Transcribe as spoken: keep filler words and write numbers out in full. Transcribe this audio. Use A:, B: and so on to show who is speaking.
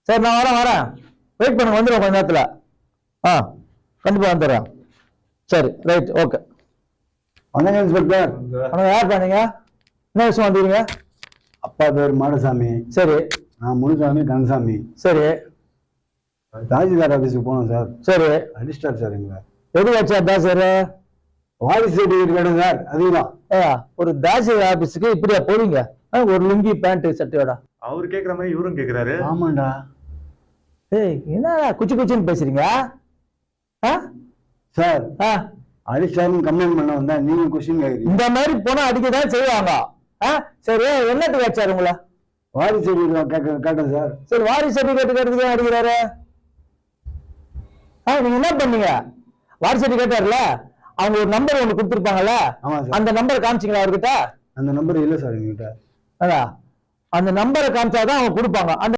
A: சரி நான் வரேன் வரேன் வெயிட் பண்ணுங்க, வந்துடுவேன் கொஞ்ச நேரத்தில். ஆ கண்டிப்பாக வந்துடுறேன். சரி ரைட் ஓகே.
B: வணக்கம் இன்ஸ்பெக்டர்.
A: வணக்கம். யார் பண்ணீங்க? என்ன விஷயம் வந்துடுங்க?
B: அப்பா பேர் மாடசாமி.
A: சரி.
B: நான் முனுசாமி கந்தசாமி.
A: சரி.
B: தாசில்தார் ஆஃபீஸுக்கு போனோம் சார்.
A: சரி.
B: அடிஸ்டார் சார் எங்களை.
A: எது வச்சா தாசர்?
B: வாரிசு சர்டிஃபிகேட் கேட்டேன் சார். அதுதான்.
A: ஏயா ஒரு தாசில்தார் ஆஃபீஸுக்கு இப்படியா போவீங்க? ஒரு லுங்கி பேண்ட் சட்டையோட?
C: அவரு கேக்குற மாதிரி இவரும் கேக்குறாரு.
B: ஆமாண்டா.
A: ஏய் என்ன குச்சி குச்சின்னு பேசுறீங்க
B: சார்? அடிஸ்டார்னு கம்ப்ளைண்ட் பண்ண வந்தா நீங்க கொஸ்டின் கேக்குறீங்க.
A: இந்த மாதிரி போனா அடிக்கதான் செய்வாங்க. சரி என்னத்துக்கு வச்சாரு உங்களை?
B: வாரிசு சர்டிஃபிகேட் கேட்டேன் சார். சரி
A: வாரிசு சர்டிஃபிகேட் கேட்டதுக்கு அடிக்கிறாரு. நீங்க என்ன பண்ணீங்க? வாரிசு சர்டிஃபிகேட் கேட்டார்ல, அவங்க ஒரு நம்பர் ஒண்ணு கொடுத்துருப்பாங்கல்ல, அந்த நம்பரை காமிச்சிங்களா அவர்கிட்ட?
B: அந்த நம்பர் இல்ல சார் எங்ககிட்ட.
A: அதான் அந்த நம்பரை காமிச்சாதான் அவங்க கொடுப்பாங்க. அந்த